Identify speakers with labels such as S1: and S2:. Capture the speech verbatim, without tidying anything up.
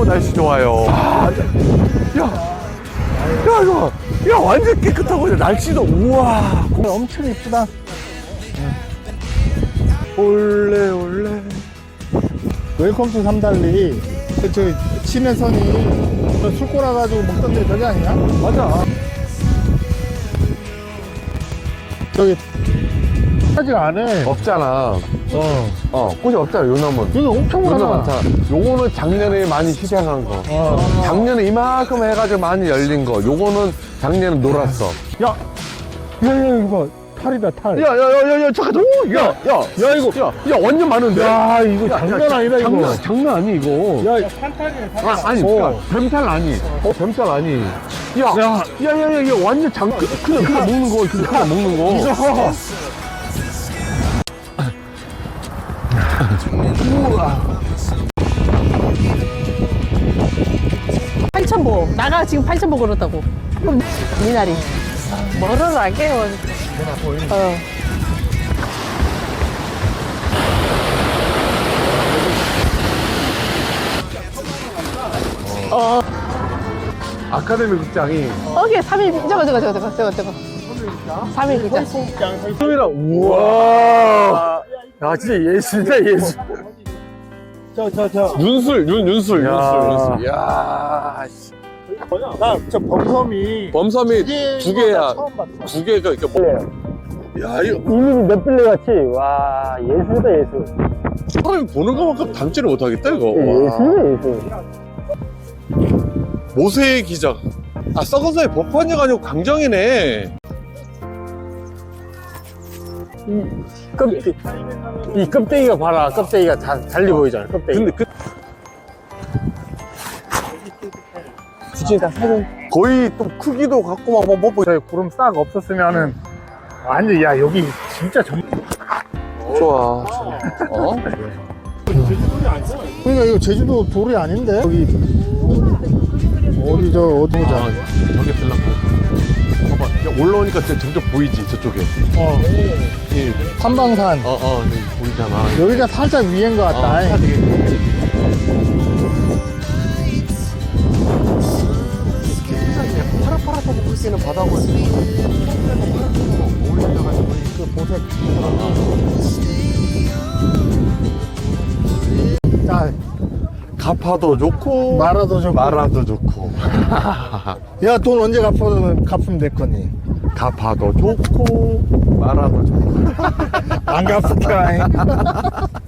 S1: 날씨 좋아요. 아, 완전, 야, 야, 이거, 야, 완전 깨끗하고, 날씨도, 우와.
S2: 공 엄청 이쁘다.
S1: 올레, 올레.
S2: 웰컴 투 삼달리. 그, 저, 신혜선이 저 술 꼬라가지고 먹던 데 저기 아니야?
S1: 맞아.
S2: 저기, 하지가 안 해.
S1: 없잖아.
S2: 어.
S1: 어, 꽃이 없잖아, 요 나무는.
S2: 여기 엄청
S1: 요나
S2: 많아.
S1: 많잖아. 요거는 작년에 많이 희생한 거.
S2: 어.
S1: 작년에 이만큼 해가지고 많이 열린 거. 요거는 작년에 놀았어.
S2: 야, 야, 야, 이거 봐. 탈이다, 탈.
S1: 야, 야, 야, 야, 야, 잠깐, 오, 야, 야,
S2: 야, 이거.
S1: 야, 야, 완전 많은데?
S2: 야, 이거
S1: 야,
S2: 장난
S1: 야,
S2: 아니다, 이거.
S1: 장난, 장난 아니, 이거.
S2: 야,
S1: 아, 아니,
S2: 어.
S1: 그니까, 뱀탈 아니. 어, 뱀탈 아니. 야,
S2: 야.
S1: 야, 야, 야, 야, 완전 장, 그, 그냥, 그냥 먹는 거, 그냥, 그냥 먹는 거.
S2: 이거.
S3: 팔천보 나가 지금 팔천보 걸었다고. 그럼 미나리 멀어라게 어. 어.
S1: 아카데미 극장이.
S3: 어게 삼 일 저거 저거 저거 저거 저거 삼 일 극장.
S1: 소이라, 우와. 야, 진짜 예술이다, 예술.
S2: 저, 저, 저.
S1: 윤술, 윤, 윤술,
S2: 야.
S1: 윤술, 윤술. 야, 씨.
S2: 나, 저 범섬이.
S1: 범섬이 두 개야.
S2: 처음 봤어.
S1: 두 개가 이렇게 뭐. 야, 이거.
S2: 이름이 몇 빌레 같이. 와, 예술이다, 예술.
S1: 사람이 보는 것만큼 담지를 못하겠다, 이거.
S2: 예술이다, 예술.
S1: 모세의 기적. 아, 썩어서의 법관이가 아니고 강정이네.
S2: 이 껍데기, 이 껍데기가 봐라. 껍데기가 다 달리 보이잖아, 껍데기.
S1: 근데 그,
S2: 굳이 다 사진.
S1: 거의 또 크기도 같고 막, 뭐, 뭐, 뭐.
S2: 저희 구름 싹 없었으면은, 완전, 야, 여기 진짜 전.
S1: 좋아. 어?
S2: 그러니까 이거 제주도 돌이 아닌데? 여기. 어디, 저, 어디 보자.
S1: 아, 저기 들라고. 봐봐. 야, 올라오니까 진짜 점점 보이지, 저쪽에.
S2: 어.
S1: 이,
S2: 삼방산.
S1: 어, 어, 여기 보이잖아.
S2: 여기가 살짝 위인 것 같다.
S1: 어, 살짝 파랗파랗하고 굵기는 바다고
S2: 그 보색. 자,
S1: 가파도 좋고
S2: 말아도 좋고.
S1: 마라도 좋고
S2: 야, 돈 언제 갚으면, 갚으면 될 거니?
S1: 가파도 좋고 마라도 좋고
S2: 안 갚을까?